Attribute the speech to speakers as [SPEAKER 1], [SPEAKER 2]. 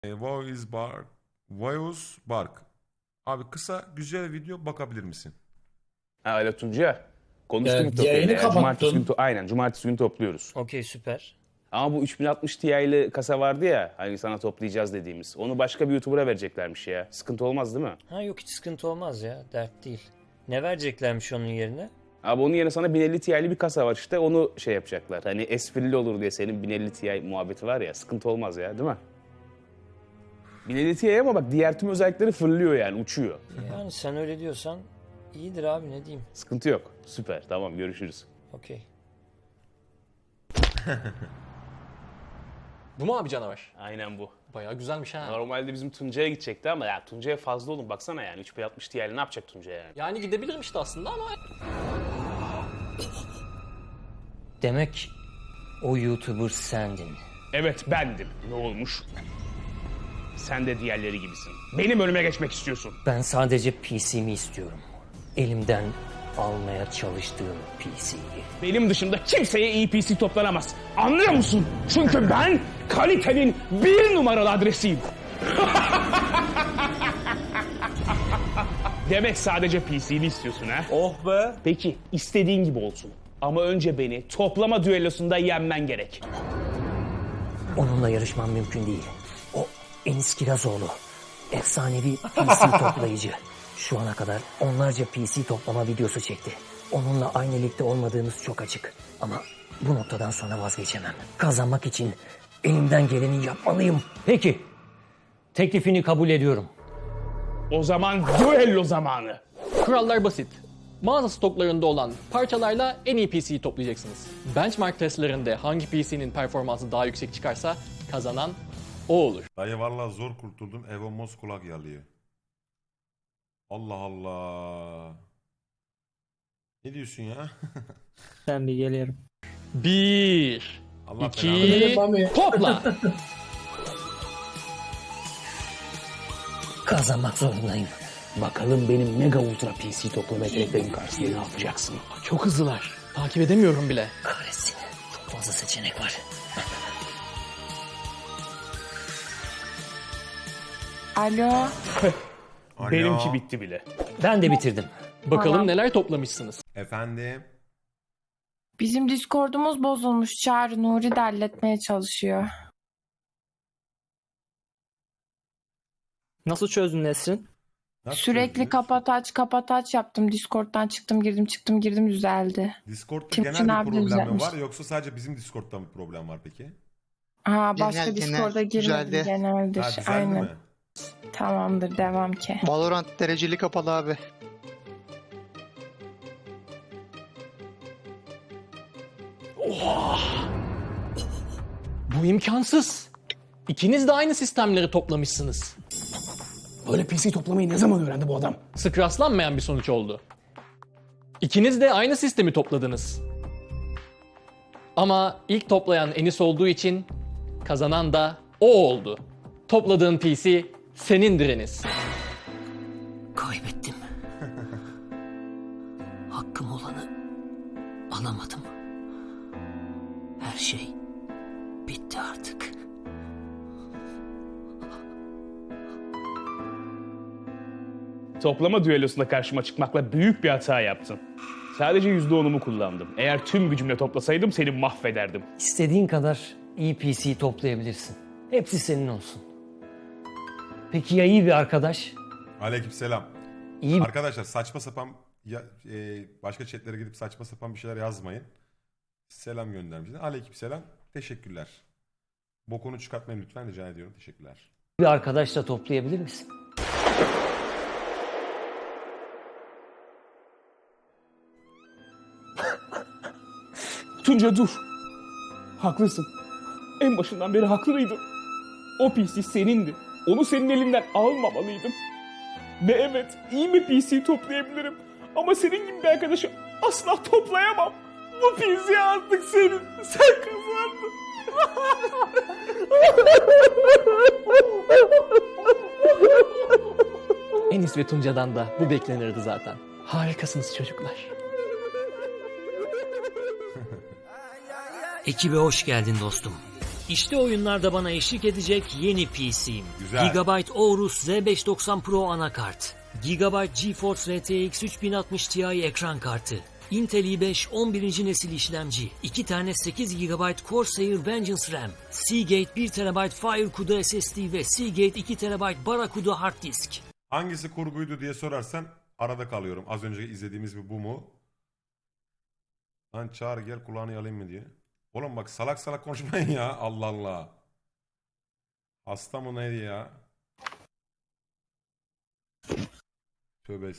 [SPEAKER 1] Voice Bark. Abi kısa güzel video bakabilir misin?
[SPEAKER 2] Ha öyle Tuncay. Konuştum
[SPEAKER 3] yayını
[SPEAKER 2] Cumartesi
[SPEAKER 3] kapattın.
[SPEAKER 2] aynen cumartesi günü topluyoruz.
[SPEAKER 4] Okey, süper.
[SPEAKER 2] Ama bu 3060 Ti'li kasa vardı ya hani sana toplayacağız dediğimiz. Onu başka bir YouTuber'a vereceklermiş ya. Sıkıntı olmaz değil mi?
[SPEAKER 4] Ha yok, hiç sıkıntı olmaz ya. Dert değil. Ne vereceklermiş onun yerine?
[SPEAKER 2] Abi onun yerine sana 1050 Ti'li bir kasa var işte onu şey yapacaklar. Hani esprili olur diye senin 1050 Ti muhabbeti var ya sıkıntı olmaz ya değil mi? 1050 Ti ama bak diğer tüm özellikleri fırlıyor yani uçuyor.
[SPEAKER 4] Yani sen öyle diyorsan iyidir abi, ne diyeyim.
[SPEAKER 2] Sıkıntı yok. Süper tamam görüşürüz.
[SPEAKER 4] Okey.
[SPEAKER 3] Bu mu abi canavar?
[SPEAKER 2] Aynen bu.
[SPEAKER 3] Bayağı güzelmiş ha.
[SPEAKER 2] Normalde bizim Tuncay'a gidecekti ama ya Tuncay'a fazla oğlum baksana yani 3060 Ti'li ne yapacak Tuncay yani?
[SPEAKER 3] Yani gidebilirim işte aslında ama...
[SPEAKER 4] Demek o YouTuber sendin.
[SPEAKER 2] Evet bendim. Ne olmuş? Sen de diğerleri gibisin. Benim önüme geçmek istiyorsun.
[SPEAKER 4] Ben sadece PC'mi istiyorum. Elimden almaya çalıştığım PC'yi.
[SPEAKER 2] Benim dışında kimseye iyi PC toplanamaz. Anlıyor musun? Çünkü ben kalitenin 1 numaralı adresiyim. Demek sadece PC'ni istiyorsun ha?
[SPEAKER 3] Oh be!
[SPEAKER 2] Peki istediğin gibi olsun. Ama önce beni toplama düellosunda yenmen gerek.
[SPEAKER 4] Onunla yarışmam mümkün değil. O Enis Kirazoğlu. Efsanevi PC toplayıcı. Şu ana kadar onlarca PC toplama videosu çekti. Onunla aynı ligde olmadığımız çok açık. Ama bu noktadan sonra vazgeçemem. Kazanmak için elimden geleni yapmalıyım. Peki. Teklifini kabul ediyorum.
[SPEAKER 2] O zaman düello zamanı.
[SPEAKER 3] Kurallar basit. Mağaza stoklarında olan parçalarla en iyi PC'yi toplayacaksınız. Benchmark testlerinde hangi PC'nin performansı daha yüksek çıkarsa kazanan o olur.
[SPEAKER 1] Dayı vallahi zor kurtuldum. Evo Mos kulak yalıyor. Allah Allah. Ne diyorsun ya?
[SPEAKER 5] Ben bir geliyorum.
[SPEAKER 3] 1,
[SPEAKER 1] Allah
[SPEAKER 3] 2, topla!
[SPEAKER 4] Kazanmak zorundayım.
[SPEAKER 2] Bakalım benim mega ultra PC toplama yeteneklerim karşısında ne yapacaksın?
[SPEAKER 3] Çok hızlılar. Takip edemiyorum bile.
[SPEAKER 4] Kahretsin. Çok fazla seçenek var.
[SPEAKER 6] Alo.
[SPEAKER 1] Alo.
[SPEAKER 2] Benimki bitti bile.
[SPEAKER 4] Ben de bitirdim.
[SPEAKER 3] Bakalım
[SPEAKER 6] Tamam.
[SPEAKER 3] neler toplamışsınız.
[SPEAKER 1] Efendim?
[SPEAKER 6] Bizim Discord'umuz bozulmuş. Çağrı Nuri de halletmeye çalışıyor.
[SPEAKER 5] Nasıl çözdün Nesrin?
[SPEAKER 1] Nasıl
[SPEAKER 6] Sürekli
[SPEAKER 1] çözdünüz?
[SPEAKER 6] kapat aç yaptım. Discord'dan çıktım girdim düzeldi.
[SPEAKER 1] Discord'da
[SPEAKER 6] Timuçin
[SPEAKER 1] genel
[SPEAKER 6] abi
[SPEAKER 1] bir problem mi
[SPEAKER 6] düzeltmiş.
[SPEAKER 1] var yoksa sadece bizim Discord'da mı problem var peki?
[SPEAKER 6] Ha başka
[SPEAKER 7] Genel,
[SPEAKER 6] Discord'a girmedim
[SPEAKER 7] düzeldi.
[SPEAKER 6] geneldir.
[SPEAKER 1] Ha düzeldi
[SPEAKER 6] Aynen.
[SPEAKER 1] mi?
[SPEAKER 6] Tamamdır devam ki.
[SPEAKER 7] Valorant dereceli kapalı abi.
[SPEAKER 3] Bu imkansız. İkiniz de aynı sistemleri toplamışsınız.
[SPEAKER 2] Böyle PC toplamayı ne zaman öğrendi bu adam?
[SPEAKER 3] Sık rastlanmayan bir sonuç oldu. İkiniz de aynı sistemi topladınız. Ama ilk toplayan Enis olduğu için kazanan da o oldu. Topladığın PC senindir Enis.
[SPEAKER 4] Kaybettim. Hakkım olanı alamadım. Her şey bitti artık.
[SPEAKER 2] Toplama düellosunda karşıma çıkmakla büyük bir hata yaptın. Sadece %10'umu kullandım. Eğer tüm gücümle toplasaydım seni mahvederdim.
[SPEAKER 4] İstediğin kadar iyi PC toplayabilirsin. Hepsi senin olsun. Peki ya iyi bir arkadaş?
[SPEAKER 1] Aleykümselam.
[SPEAKER 4] İyi bir...
[SPEAKER 1] Arkadaşlar saçma sapan başka chatlere gidip saçma sapan bir şeyler yazmayın. Selam göndermişler. Aleykümselam. Teşekkürler. Bokunu çıkartmayın lütfen rica ediyorum. Teşekkürler.
[SPEAKER 4] bir arkadaşla toplayabilir misin?
[SPEAKER 2] Tunca dur. Haklısın. En başından beri haklıydın. O PC senindi. Onu senin elinden almamalıydım. Ve evet iyi bir PC toplayabilirim. Ama senin gibi bir arkadaşı asla toplayamam. Bu PC artık senin. Sen kazandın.
[SPEAKER 3] Enis ve Tunca'dan da bu beklenirdi zaten. Harikasınız çocuklar.
[SPEAKER 4] Ekibe hoş geldin dostum. İşte oyunlarda bana eşlik edecek yeni PC'm.
[SPEAKER 1] Güzel.
[SPEAKER 4] Gigabyte Aorus Z590 Pro anakart. Gigabyte GeForce RTX 3060 Ti ekran kartı. Intel i5 11. nesil işlemci, 2 tane 8 GB Corsair Vengeance RAM, Seagate 1 TB FireCuda SSD ve Seagate 2 TB Barracuda hard disk.
[SPEAKER 1] Hangisi kurguydu diye sorarsan arada kalıyorum. Az önce izlediğimiz bir bu mu? Lan çağır gel kulağını yalayım mı diye. Oğlum bak salak salak konuşmayın ya. Allah Allah. Hasta mı neydi ya? Tövbe estağfurullah.